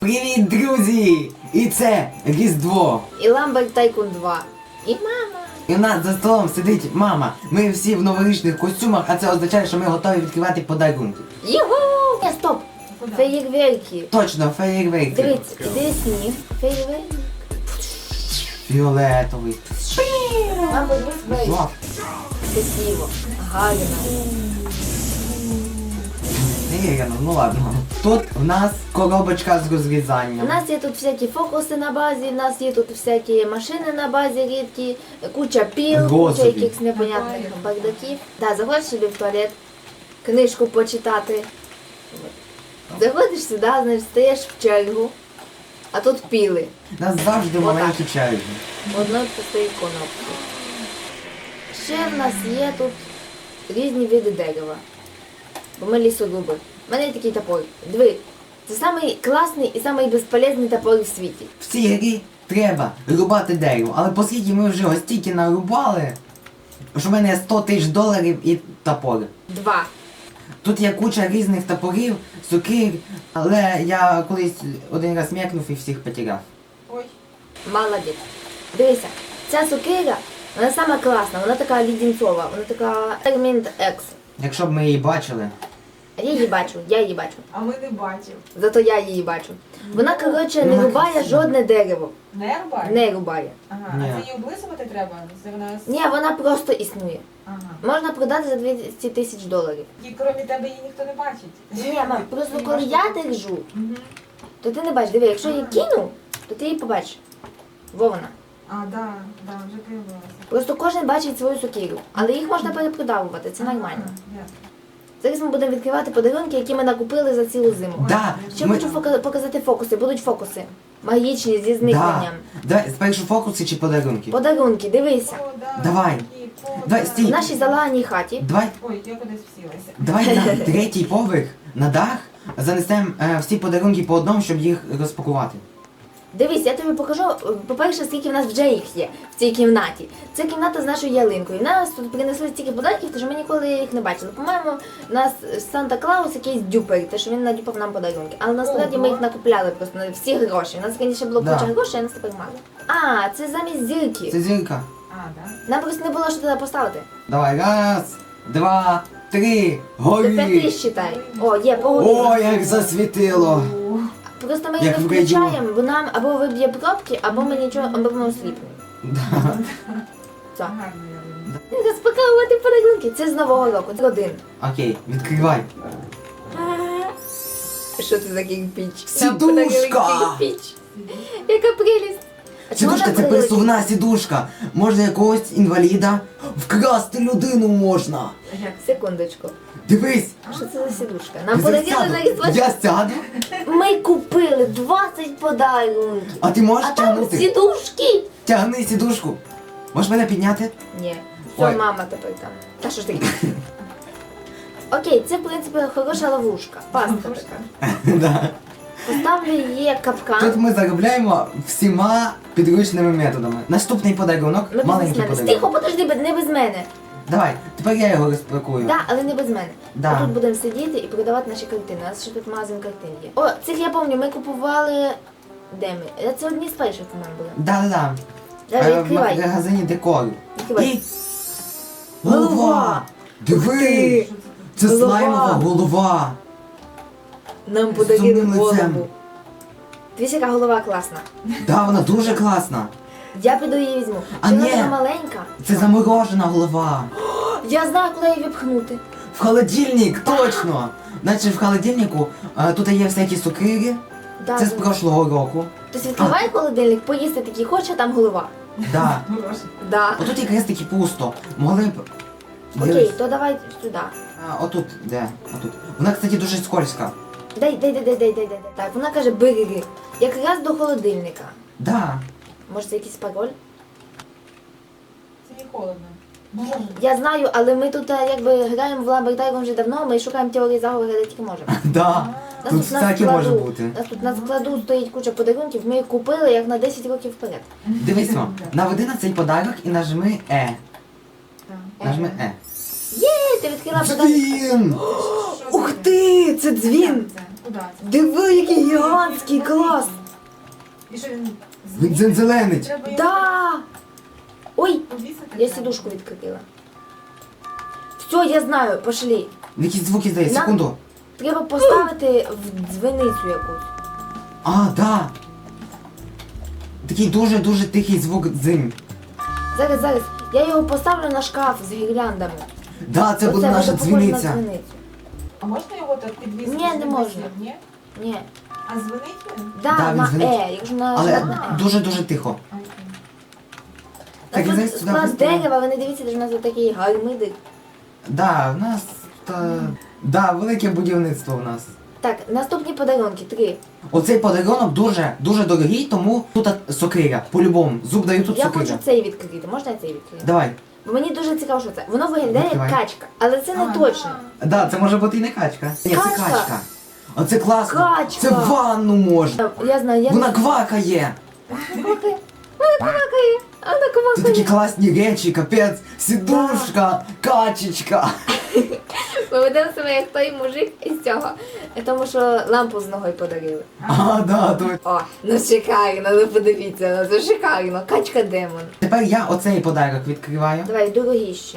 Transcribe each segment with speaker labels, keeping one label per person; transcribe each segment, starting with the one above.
Speaker 1: Привіт, друзі! І це Різдво.
Speaker 2: І Ламберт Тайкун 2. І мама.
Speaker 1: І в нас за столом сидить мама. Ми всі в новорічних костюмах, а це означає, що ми готові відкривати подарунки.
Speaker 2: Його! Стоп! Феєрверки.
Speaker 1: Точно, феєрверки.
Speaker 2: Дивіться, іде сніг. Феєрверк.
Speaker 1: Фіолетовий.
Speaker 2: Мама, дивись.
Speaker 1: Жовт.
Speaker 2: Красиво. Гарно.
Speaker 1: Невірно, ну ладно. Тут в нас коробочка з
Speaker 2: У
Speaker 1: розрізанням.
Speaker 2: нас є тут всякі фокуси на базі, у нас є тут всякі машини на базі рідкі, куча піл, куча
Speaker 1: Господи.
Speaker 2: якихось непонятних бардаків. Да, заходиш собі в туалет, книжку почитати. Заходиш сюди, значить, стаєш в чергу, а тут піли.
Speaker 1: У нас завжди
Speaker 2: Отак.
Speaker 1: маленькі черги.
Speaker 2: Одної пустої конопки. Ще в нас є тут різні види дерева. Бо ми лісоруби. У мене є такий топор. Диви, це самий класний і самий безполезний топор в світі.
Speaker 1: В цій грі треба рубати дерево, але оскільки ми вже ось стільки нарубали, що в мене є 100 тисяч доларів і топор.
Speaker 2: 2.
Speaker 1: Тут є куча різних топорів, сокир, але я колись один раз м'якнув і всіх потеряв.
Speaker 3: Ой,
Speaker 2: Молодець. Дивися, ця сокира, вона сама класна, вона така лідінцова, вона така Термінт Екс.
Speaker 1: Якщо б ми її бачили.
Speaker 2: А я її бачу.
Speaker 3: а ми не бачимо.
Speaker 2: Зато я її бачу. Вона, коротше, не
Speaker 1: Вона
Speaker 2: рубає
Speaker 1: красива.
Speaker 2: жодне дерево.
Speaker 3: Не рубай?
Speaker 2: Не рубає.
Speaker 3: Ага,
Speaker 1: Ні.
Speaker 3: а це її облизувати треба? Це вона...
Speaker 2: Ні, вона просто існує.
Speaker 3: Ага.
Speaker 2: Можна продати за 200 тисяч доларів.
Speaker 3: І крім тебе її ніхто не бачить.
Speaker 2: Ні, мам, просто
Speaker 3: Її
Speaker 2: коли
Speaker 3: можна-
Speaker 2: я держу,
Speaker 3: Мгм.
Speaker 2: то ти не бачиш. Диви, якщо я її кину, то ти її побачиш. Во вона.
Speaker 3: А, да, вже появилася.
Speaker 2: Просто кожен бачить свою сокиру. Але їх можна перепродавувати, це нормально.
Speaker 3: Ага, ясно.
Speaker 2: Зараз ми будемо відкривати подарунки, які ми накупили за цілу зиму.
Speaker 1: Да,
Speaker 2: Ще
Speaker 1: ми...
Speaker 2: хочу показати фокуси. Будуть фокуси. Магічні, зі зникненням.
Speaker 1: Да, спершу фокуси чи подарунки?
Speaker 2: Подарунки, дивися.
Speaker 3: О, да,
Speaker 1: Давай.
Speaker 3: такі,
Speaker 1: Давай,
Speaker 3: да.
Speaker 1: стій.
Speaker 2: В нашій залаганій хаті.
Speaker 1: Давай,
Speaker 3: Ой, я кудись всілася.
Speaker 1: давай на третій поверх, на дах, занесемо всі подарунки по одному, щоб їх розпакувати.
Speaker 2: Дивись, я тобі покажу, по-перше, скільки в нас вже їх є в цій кімнаті. Це кімната з нашою ялинкою. І нас тут принесли стільки подарунків, тому що ми ніколи їх не бачили. По-моєму, у нас Санта-Клаус якийсь дюпер, те, що він надюпав нам подарунки. Але насправді ми їх накупляли просто на всі гроші. У нас раніше було
Speaker 1: Да.
Speaker 2: куча грошей, а нас тепер мало. А, це замість зірки.
Speaker 1: Це зірка.
Speaker 3: А, да?
Speaker 2: Нам просто не було що туди поставити.
Speaker 1: Давай, раз, два, три,
Speaker 2: Тепер ти
Speaker 1: горі.
Speaker 2: считай. О, є,
Speaker 1: О,
Speaker 2: погоди.
Speaker 1: як засвітило.
Speaker 2: Просто ми її
Speaker 1: як
Speaker 2: не
Speaker 1: в радіо.
Speaker 2: включаємо, бо нам або виб'є пробки, або ми нічого, або ми осліпнемо.
Speaker 1: Да.
Speaker 3: Гарно
Speaker 2: Все.
Speaker 3: я виглядаю.
Speaker 2: Розпаковувати подарунки. Це з Нового року. Це один.
Speaker 1: Окей, відкривай.
Speaker 2: Що це за кірпіч?
Speaker 1: Сідушка!
Speaker 2: Нам подарили кірпіч. Яка прелість. А чому
Speaker 1: Сідушка
Speaker 2: нам
Speaker 1: це
Speaker 2: подарили
Speaker 1: пересувна сідушка. Можна якогось інваліда вкрасти людину можна.
Speaker 3: Як?
Speaker 2: Секундочку.
Speaker 1: Дивись.
Speaker 2: Що це за сідушка? Нам
Speaker 1: Я
Speaker 2: подарили
Speaker 1: сяду.
Speaker 2: на різдво.
Speaker 1: Я сяду,
Speaker 2: Ми купили 20 подарунків.
Speaker 1: а ти можеш
Speaker 2: А там
Speaker 1: тягнути.
Speaker 2: сідушки.
Speaker 1: Тягни сідушку. Можеш мене підняти?
Speaker 2: Ні.
Speaker 1: Ой.
Speaker 2: Все, мама тепер там. Та що ж таке? Окей, це в принципі хороша ловушка. Пастка така.
Speaker 1: Да.
Speaker 2: Поставлю її як капкан.
Speaker 1: Тут ми заробляємо всіма підручними методами. Наступний подарунок,
Speaker 2: Ми без
Speaker 1: маленький
Speaker 2: мене.
Speaker 1: подарунок.
Speaker 2: Тихо, подожди, не без мене.
Speaker 1: Давай, тепер я його розпакую.
Speaker 2: Так, але не без мене.
Speaker 1: Да.
Speaker 2: Ми тут будемо сидіти і продавати наші картини. У нас ще тут магазин картин є. О, цих я пам'ятаю, ми купували. Де ми? Це одні з перших у мене були.
Speaker 1: Да-да-да.
Speaker 2: Давай,
Speaker 1: В
Speaker 2: відкривай.
Speaker 1: магазині декору.
Speaker 2: Відкривай.
Speaker 1: І... Голова! Диви!
Speaker 2: ти!
Speaker 1: Це
Speaker 2: Голова!
Speaker 1: слаймова голова!
Speaker 2: Нам
Speaker 1: З
Speaker 2: подарили
Speaker 1: сумним лицем.
Speaker 2: голову. Дивись, яка голова класна.
Speaker 1: Да, вона дуже класна.
Speaker 2: Я піду її візьму.
Speaker 1: А
Speaker 2: Чи вона
Speaker 1: ні.
Speaker 2: така маленька?
Speaker 1: Це заморожена голова.
Speaker 2: Я знаю, куди її випхнути.
Speaker 1: В холодильник, точно! Наче в холодильнику тут є всякі сокири.
Speaker 2: Да,
Speaker 1: Це з
Speaker 2: да.
Speaker 1: прошлого року.
Speaker 2: Тобто відкривай холодильник, поїсти такий хоче, а там голова.
Speaker 1: Да.
Speaker 3: Хороше.
Speaker 2: Да.
Speaker 1: Отут якраз таки пусто. Могли б.
Speaker 2: Окей,
Speaker 1: Дивись.
Speaker 2: то давай сюди.
Speaker 1: Отут, де? Отут. Вона, кстати, дуже скользка.
Speaker 2: Дай. Так, вона каже, бери. Якраз до холодильника.
Speaker 1: Да.
Speaker 2: Може це якийсь пароль?
Speaker 3: Це не холодно. Боже.
Speaker 2: Я знаю, але ми тут якби граємо в Ламбертайгон вже давно, ми шукаємо теорії заговору, де тільки можемо.
Speaker 1: Да.
Speaker 2: Нас
Speaker 1: Тут
Speaker 2: на
Speaker 1: всяке
Speaker 2: складу-
Speaker 1: може бути.
Speaker 2: Нас тут на складу стоїть куча подарунків, ми їх купили як на 10 років вперед.
Speaker 1: Дивись, мам, наведи на цей подарок і нажми Е.
Speaker 3: Так.
Speaker 1: Нажми Е.
Speaker 2: Ти відкрила подарунок.
Speaker 1: Дзвін!
Speaker 3: Що
Speaker 2: Ух
Speaker 3: це?
Speaker 2: ти, це дзвін!
Speaker 3: Це? Куди це?
Speaker 2: Диви, який гігантський клас!
Speaker 3: І що він
Speaker 1: Він дзензеленить.
Speaker 3: Треба його
Speaker 2: Да! Ой,
Speaker 3: повісити?
Speaker 2: я
Speaker 3: треба.
Speaker 2: сідушку відкрила. Все, я знаю, пошли.
Speaker 1: Якісь звуки здає,
Speaker 2: На.
Speaker 1: секунду.
Speaker 2: Треба поставити в дзвіницю якусь.
Speaker 1: А, да. Такий дуже-дуже тихий звук дзинь.
Speaker 2: Зараз. Я його поставлю на шкаф з гірляндами.
Speaker 1: Да, це буде наша
Speaker 2: похоже на
Speaker 1: дзвіниця.
Speaker 2: дзвіницю.
Speaker 3: А можна його так підвісити?
Speaker 2: Ні, не
Speaker 3: щоб
Speaker 2: можна.
Speaker 3: висів, Ні?
Speaker 2: Ні.
Speaker 3: А дзвонить він?
Speaker 2: Да,
Speaker 1: Да, він
Speaker 2: на
Speaker 1: дзвонить.
Speaker 2: якщо на
Speaker 1: Але
Speaker 2: на
Speaker 1: дуже-дуже тихо.
Speaker 3: Окей.
Speaker 1: Так,
Speaker 2: Тут
Speaker 1: зараз сюди
Speaker 2: склад
Speaker 1: поставимо.
Speaker 2: дерева, ви не дивіться, де ж у нас такий гармидик.
Speaker 1: Да, в нас да, велике будівництво в нас.
Speaker 2: Так, наступні подарунки, 3.
Speaker 1: Оцей подарунок дуже дорогий, тому тут сокира. По-любому. Зуб даю тут
Speaker 2: Я
Speaker 1: сокира.
Speaker 2: хочу цей відкрити. Можна я цей відкрити?
Speaker 1: Давай.
Speaker 2: Бо мені дуже цікаво, що це. Воно виглядає як
Speaker 1: Відкривай.
Speaker 2: качка, але це не
Speaker 3: А,
Speaker 2: точно.
Speaker 1: Да, це може бути і не качка. Ні, це
Speaker 2: Качка.
Speaker 1: качка. Оце класно.
Speaker 2: Качка.
Speaker 1: Це в ванну можна.
Speaker 2: Я знаю, я
Speaker 1: Вона
Speaker 2: не
Speaker 1: квакає.
Speaker 2: квакає. Вона квакає. Вона
Speaker 1: Це такі
Speaker 2: квакає.
Speaker 1: класні речі, капець. Сідушка, качечка.
Speaker 2: Ми ведемо себе як той мужик із цього. Тому що лампу з ногою подарили.
Speaker 1: А, да, то.
Speaker 2: О, ну шикарно, ну подивіться, ну це шикарно. Качка демон.
Speaker 1: Тепер я оцей подарок відкриваю.
Speaker 2: Давай, дорогіший.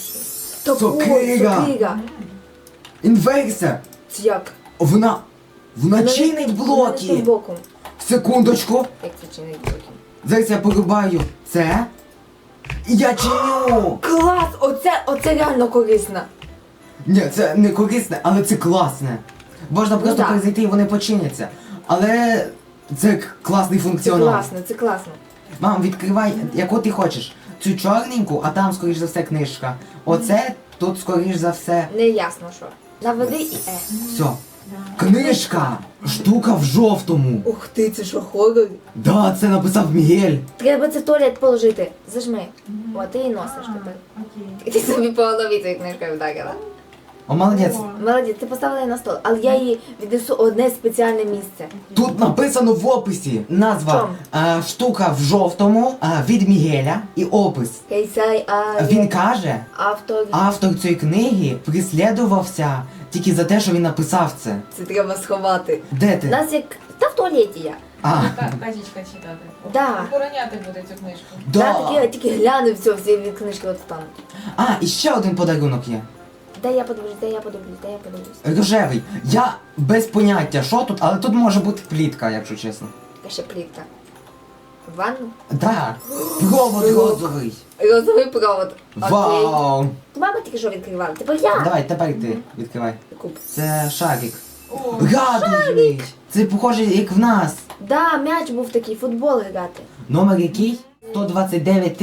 Speaker 1: Сокира.
Speaker 2: Сокира.
Speaker 1: Інверсія.
Speaker 2: Це як?
Speaker 1: Вона чинить блоки.
Speaker 2: Боком.
Speaker 1: Секундочку.
Speaker 2: Як це чинить блоки?
Speaker 1: Зараз я порубаю це. І я чиню.
Speaker 2: Клас! Оце реально корисно.
Speaker 1: Ні, це не корисне, але це класне. Можна просто
Speaker 2: да.
Speaker 1: перезайти і вони починяться. Але це класний
Speaker 2: Це
Speaker 1: функціонал.
Speaker 2: класно, це класно.
Speaker 1: Мам, відкривай, яку ти хочеш. Цю чорненьку, а там, скоріш за все, книжка. Оце тут, скоріш за все.
Speaker 2: Не ясно що. Наведи і
Speaker 1: Все. Книжка! Штука в жовтому.
Speaker 2: Ух ти, це що хорор?
Speaker 1: Да, це написав Мігель.
Speaker 2: Треба це в туалет положити. Зажми. О, ти її носиш тепер.
Speaker 3: Окей.
Speaker 2: Ти собі по голові цією книжкою вдарила.
Speaker 1: О, молодець.
Speaker 3: О,
Speaker 2: Молодець, ти поставила її на стол, але я її віднесу в одне спеціальне місце.
Speaker 1: Тут написано в описі назва
Speaker 2: Чом?
Speaker 1: штука в жовтому від Мігеля і опис.
Speaker 2: Кейсай,
Speaker 1: Він каже,
Speaker 2: автор.
Speaker 1: автор цієї книги прислідувався тільки за те, що він написав це.
Speaker 2: Це треба сховати.
Speaker 1: Де
Speaker 2: У
Speaker 1: ти?
Speaker 2: нас як. Та в туалеті я.
Speaker 1: А,
Speaker 3: Качечка читати.
Speaker 2: Да.
Speaker 3: Охороняти буде цю книжку.
Speaker 2: Да.
Speaker 1: да.
Speaker 2: Тільки гляну все, всі від книжки от там.
Speaker 1: А, і ще один подарунок є.
Speaker 2: Дай я подивлюсь.
Speaker 1: Рожевий. Я без поняття, що тут, але тут може бути плітка, якщо чесно.
Speaker 2: Така ще плітка. Ванну?
Speaker 1: Да. Провод розовий.
Speaker 2: Розовий провод. Окей.
Speaker 1: Вау.
Speaker 2: Мама тільки що відкривала. Тепер я.
Speaker 1: Давай, тепер ти відкривай.
Speaker 2: Куп.
Speaker 1: Це шарик.
Speaker 3: О,
Speaker 1: Радужний. Це похоже, як в нас.
Speaker 2: Да, м'яч був такий, футбол грати.
Speaker 1: Номер який? 129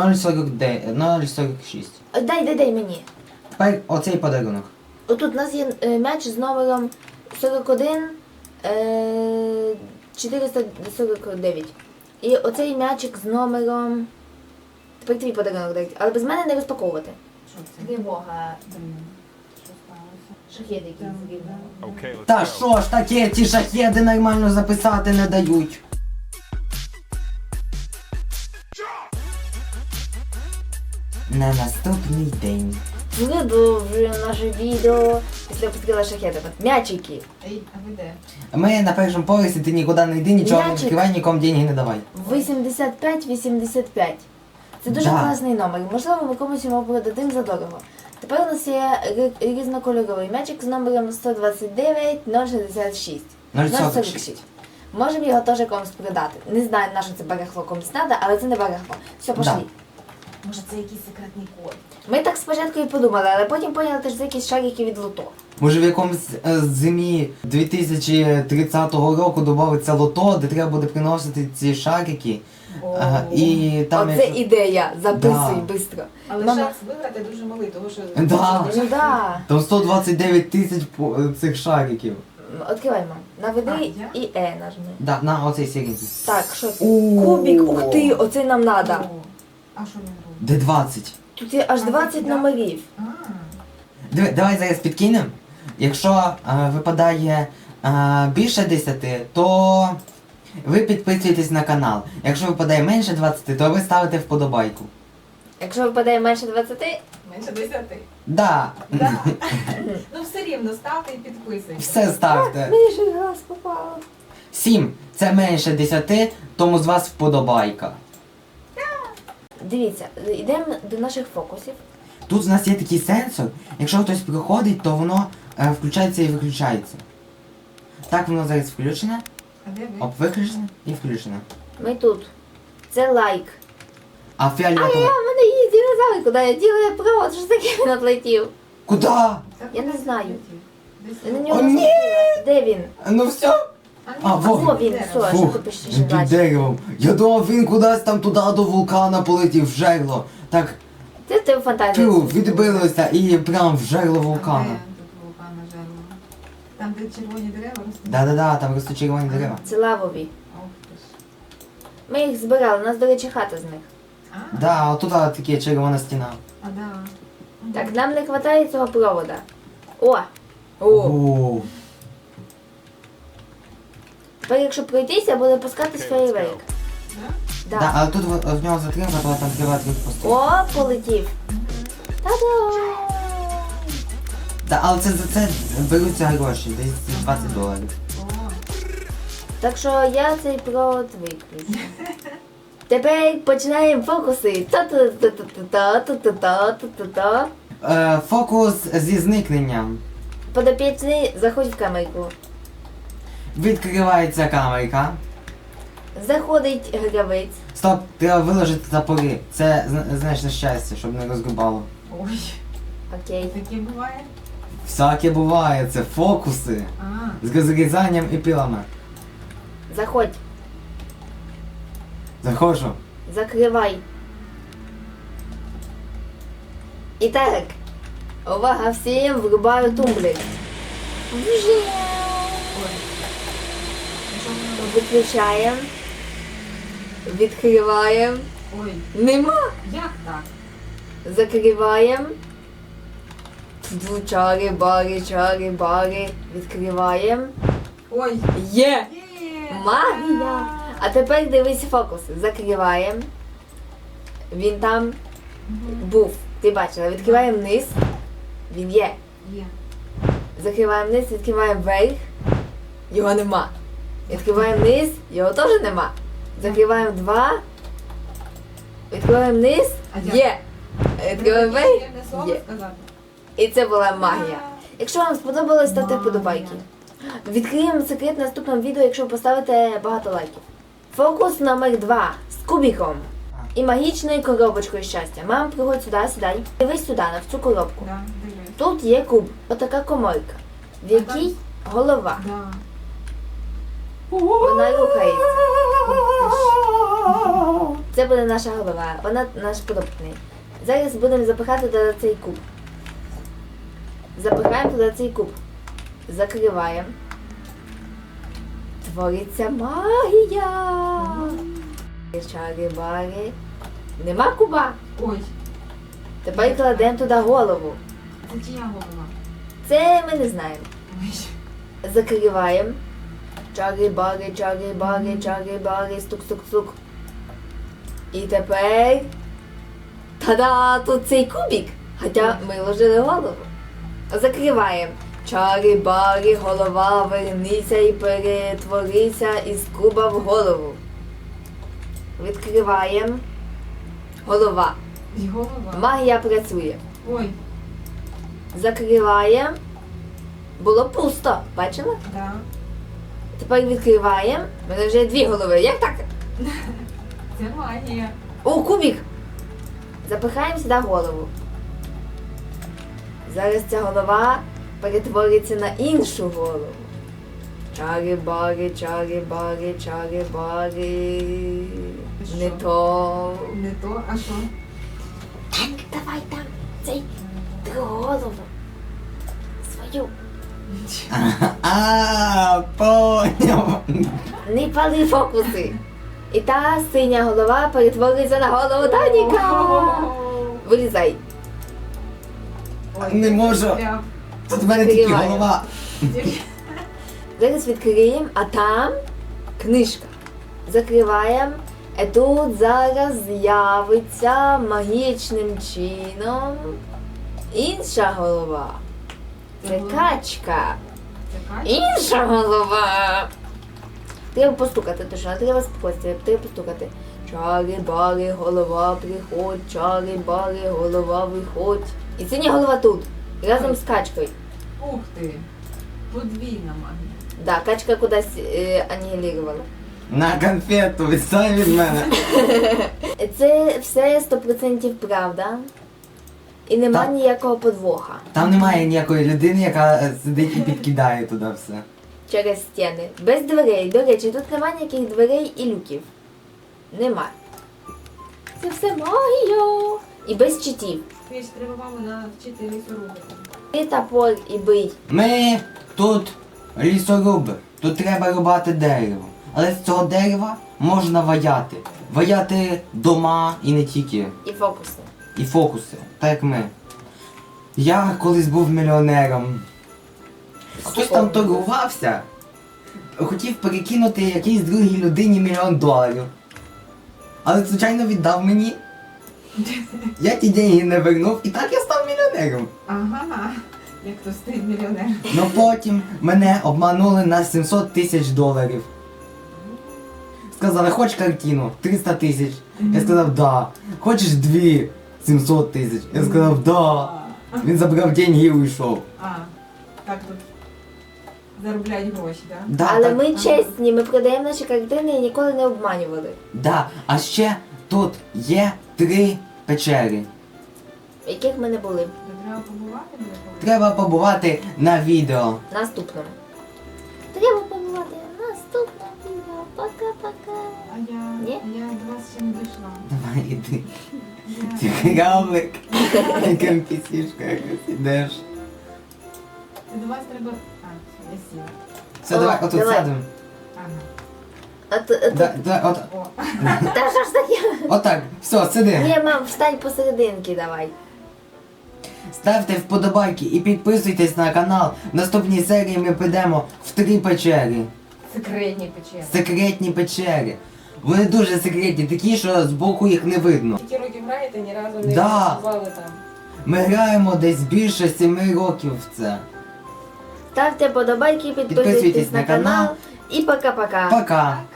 Speaker 1: 046.
Speaker 2: Дай мені.
Speaker 1: Тепер оцей подарунок.
Speaker 2: Отут у нас є м'яч з номером 41 449. І оцей м'ячик з номером. Тепер твій подарунок дай. Але без мене не розпаковувати.
Speaker 3: що це?
Speaker 2: Тривога.
Speaker 3: Блін, що сталося?
Speaker 2: Шахеди якісь
Speaker 3: Там,
Speaker 2: зрівняли.
Speaker 4: Okay, let's
Speaker 1: Та
Speaker 4: go.
Speaker 1: що ж таке, ті шахеди нормально записати не дають. На наступний день.
Speaker 2: Продовжуємо наше відео. Після відкрила шахеди. М'ячики.
Speaker 3: Ей, а ви де?
Speaker 1: Ми на першому поверсі, ти нікуди не йди, нічого не
Speaker 2: М'ячик.
Speaker 1: відкривай, нікому деньги не давай.
Speaker 2: 85-85. Це дуже
Speaker 1: Да.
Speaker 2: класний номер. Можливо, ми комусь його продадим задорого. Тепер у нас є різнокольоровий м'ячик з номером 129 066.
Speaker 1: 046.
Speaker 2: Можемо його теж комусь продати. Не знаю, на що це барахло комусь треба, але це не барахло. Все, пошли.
Speaker 1: Да.
Speaker 3: Може це якийсь секретний код?
Speaker 2: Ми так спочатку і подумали, але потім поняли, що це якісь шарики від лото.
Speaker 1: Може в якомусь зимі 2030 року додається лото, де треба буде приносити ці шарики. І там
Speaker 2: Оце
Speaker 1: як-
Speaker 2: ідея. Записуй
Speaker 1: Да.
Speaker 2: швидко.
Speaker 3: Але
Speaker 2: Мама-
Speaker 3: шанс виграти дуже малий, тому що...
Speaker 1: Да.
Speaker 2: Ну да.
Speaker 1: Там 129 тисяч цих шариків.
Speaker 2: Відкривай, мам. Наведи
Speaker 3: А, я?
Speaker 2: і Е нажми.
Speaker 1: Да, на оцей сіренький.
Speaker 2: Так, що це?
Speaker 1: О.
Speaker 2: Кубик, ух ти, оцей нам надо.
Speaker 3: О, а що він робить?
Speaker 1: Де 20?
Speaker 2: Тут є аж
Speaker 3: А,
Speaker 2: 20
Speaker 3: да.
Speaker 2: номерів.
Speaker 3: А,
Speaker 1: Давай зараз підкинемо. Якщо випадає більше 10, то ви підписуєтесь на канал. Якщо випадає менше 20, то ви ставите вподобайку.
Speaker 2: Якщо випадає менше 20,
Speaker 3: менше 10.
Speaker 1: Да.
Speaker 3: Да. Ну все рівно ставте і підписуйтесь.
Speaker 1: Все ставте.
Speaker 2: Мені щось в глаз попало.
Speaker 1: 7. Це менше 10, тому з вас вподобайка.
Speaker 2: Дивіться, йдемо до наших фокусів.
Speaker 1: Тут у нас є такий сенсор. Якщо хтось приходить, то воно включається і виключається. Так воно зараз включене,
Speaker 3: А де ви?
Speaker 1: виключене і включене.
Speaker 2: Ми тут. Це лайк.
Speaker 1: А
Speaker 2: А
Speaker 1: фіолетове...
Speaker 2: в мене є динозавр, куди я діла провод, що ж таке він отлетів?
Speaker 1: Куда?
Speaker 3: Так,
Speaker 2: Я не
Speaker 3: кудись
Speaker 2: знаю.
Speaker 3: полетів. Десь
Speaker 2: Я на
Speaker 3: тут.
Speaker 2: нього
Speaker 1: О, ні!
Speaker 2: наступила. Де він?
Speaker 1: Ну все.
Speaker 3: А,
Speaker 1: А, во.
Speaker 2: Во він, все, що
Speaker 1: Фух,
Speaker 2: ти пишеш
Speaker 1: під
Speaker 2: бачиш.
Speaker 1: деревом. Я думав, він кудись там туди до вулкана полетів, в жерло. Так,
Speaker 2: Це в тебе фантазія.
Speaker 1: відбилося і прям в жерло
Speaker 3: А де
Speaker 1: вулкана.
Speaker 3: тут вулкана жерло? Там, де червоні дерева ростуть?
Speaker 1: Да-да-да, там ростуть червоні дерева.
Speaker 2: Це лавові.
Speaker 3: Ох ти ж.
Speaker 2: Ми їх збирали, у нас, до речі, хата з них.
Speaker 3: А,
Speaker 1: Да, отут таке червона стіна.
Speaker 3: а да.
Speaker 2: Так, нам не вистачає цього провода. О! О!
Speaker 1: О,
Speaker 2: Тепер, якщо пройтися, буде пускатись фейерверк.
Speaker 3: Да?
Speaker 1: да, але тут в нього затримка, то там треба трохи пустити.
Speaker 2: О, полетів. Та-да!
Speaker 1: Да, але це за це беруться гроші, десь $20.
Speaker 3: О,
Speaker 2: Так що я цей провод виключу. Тепер починаємо фокуси. Та-та-та-та-та-та-та-та-та-та.
Speaker 1: Фокус зі зникненням.
Speaker 2: Подопічний, заходь в камерку.
Speaker 1: Відкривається камерка.
Speaker 2: Заходить гравець.
Speaker 1: Стоп, треба виложити топори. Це знаєш на щастя, щоб не розгрібало.
Speaker 3: ой,
Speaker 2: Окей.
Speaker 3: таке буває?
Speaker 1: Всяке буває, це фокуси.
Speaker 3: А,
Speaker 1: З розрізанням і пилами.
Speaker 2: Заходь.
Speaker 1: Заходжу.
Speaker 2: Закривай. І так. Увага всім, врубаю тумблер.
Speaker 3: ой. І що воно робить?
Speaker 2: Виключаємо. Відкриваємо.
Speaker 3: Ой,
Speaker 2: Нема.
Speaker 3: як так?
Speaker 2: Закриваємо. Чари, бари. Відкриваємо.
Speaker 3: Ой,
Speaker 2: Є!
Speaker 3: є!
Speaker 2: Магія! А тепер дивись фокуси. Закриваємо. Він там
Speaker 3: Мгм.
Speaker 2: був. Ти бачила. Відкриваємо вниз. Він є.
Speaker 3: Є.
Speaker 2: Закриваємо вниз, відкриваємо вверх. Його нема. Відкриваємо вниз, його теж нема. Закриваємо два. Відкриваємо вниз.
Speaker 3: А як?
Speaker 2: Є. Відкриваємо
Speaker 3: Треба
Speaker 2: вверх.
Speaker 3: таке слово
Speaker 2: Є.
Speaker 3: сказати?
Speaker 2: І це була магія. Якщо вам сподобалось, ставте вподобайки. Відкриємо секрет в наступному відео, якщо поставите багато лайків. Фокус номер 2 з кубіком і магічною коробочкою щастя. Мам, приходь сюди, сідай. Дивись сюди, на цю коробку.
Speaker 3: Да, дивись.
Speaker 2: Тут є куб, отака коморка, в якій голова.
Speaker 3: Да.
Speaker 2: Вона рухається. Це буде наша голова, вона наш подопитний. Зараз будемо запихати туди цей куб. Запихаємо туди цей куб. Закриваємо. Твориться магія. Чари-бари. Нема куба.
Speaker 3: Ой,
Speaker 2: Тепер кладемо туди голову.
Speaker 3: це чия голова?
Speaker 2: Це ми не знаємо.
Speaker 3: Ой.
Speaker 2: Закриваємо. Чари-бари, стук-стук-стук. І тепер... Та-да! Тут цей кубик. Хоча ми ложили голову. Закриваємо. Чари-бари, голова, вернися і перетворися із куба в голову. Відкриваємо. Голова.
Speaker 3: І голова.
Speaker 2: Магія працює.
Speaker 3: Ой,
Speaker 2: Закриваємо. Було пусто. Бачила?
Speaker 3: да.
Speaker 2: Тепер відкриваємо. У мене вже 2 голови. Як так?
Speaker 3: Це магія.
Speaker 2: О, кубик! Запихаємо сюди голову. Зараз ця голова перетвориться на іншу голову. Чари-бари. Не то.
Speaker 3: Не то, а що?
Speaker 2: Так, давай там цей другу голову. Свою.
Speaker 1: Поняв.
Speaker 2: Не пали фокуси. І та синя голова перетвориться на голову Даніка. Вилізай.
Speaker 3: Ой,
Speaker 1: Не можу.
Speaker 3: прям.
Speaker 1: Тут в мене тільки
Speaker 2: Відкриваю.
Speaker 1: голова.
Speaker 2: Зараз відкриємо, а там книжка. Закриваємо. І тут зараз з'явиться магічним чином Інша голова. Це качка.
Speaker 3: Це качка?
Speaker 2: Інша голова. Треба постукати, точно, треба спокійствия, треба постукати. Чари-бари, голова, приходь, чари-бари, голова, виходь. І синя голова тут, разом з качкою.
Speaker 3: Ух ти. Подвійна магія.
Speaker 2: Да, качка кудись анігілірувала.
Speaker 1: На конфету, відстань від мене.
Speaker 2: Це все 100% правда. І нема
Speaker 1: Так.
Speaker 2: ніякого подвоха.
Speaker 1: Там немає ніякої людини, яка сидить і підкидає туди все.
Speaker 2: Через стіни. Без дверей. До речі, тут немає ніяких дверей і люків. Нема. Це все магія. І без читів.
Speaker 3: Ти ж треба маму навчити лісорубити.
Speaker 2: І топор, і бий.
Speaker 1: Ми тут лісоруби. Тут треба рубати дерево. Але з цього дерева можна ваяти. Ваяти дома і не тільки.
Speaker 2: І фокуси.
Speaker 1: І фокуси, так як ми. Я колись був мільйонером. Хтось там торгувався, хотів перекинути якійсь другій людині $1 000 000. Але звичайно віддав мені. Я ті деньги не вернув і так я став мільйонером.
Speaker 3: Ага. Як то стає мільйонер.
Speaker 1: Но потім мене обманули на $700 000. Сказали, хочеш картину? 300 000. Я сказав, да. Хочеш 2? 700 000. Я сказав, да. Він забрав деньги і уйшов.
Speaker 3: Так тут заробляють гроші, так?
Speaker 1: Да,
Speaker 2: Але
Speaker 1: так,
Speaker 2: ми чесні, ми продаємо наші картини і ніколи не обманювали.
Speaker 1: да. А ще тут є 3 печери.
Speaker 2: В яких ми не були.
Speaker 3: Треба побувати буде коли?
Speaker 1: Треба побувати на відео.
Speaker 2: Наступному. Треба побувати в наступному відео. Пока-пока.
Speaker 3: А я,
Speaker 2: Ні?
Speaker 3: я до вас ще не дійшла.
Speaker 1: Давай іди.
Speaker 3: Я...
Speaker 1: Цікавик. Яким пісішка якось ідеш.
Speaker 3: До вас треба... Я сіла.
Speaker 1: Все,
Speaker 2: О,
Speaker 1: давай отут
Speaker 2: давай.
Speaker 1: сядемо.
Speaker 3: Ага. О,
Speaker 2: Та що ж таке?
Speaker 1: Отак, все, сиди.
Speaker 2: Ні, мам, встань посерединки давай.
Speaker 1: Ставте вподобайки і підписуйтесь на канал. В наступній серії ми підемо в 3 печери.
Speaker 3: секретні печери.
Speaker 1: Секретні печери. Вони дуже секретні, такі, що збоку їх не видно.
Speaker 3: Скільки років граєте, ні разу не
Speaker 1: Да.
Speaker 3: бували там.
Speaker 1: Ми граємо десь більше 7 років в це.
Speaker 2: Ставте подобайки, підписуйтесь на канал. І пока-пока.
Speaker 1: Пока!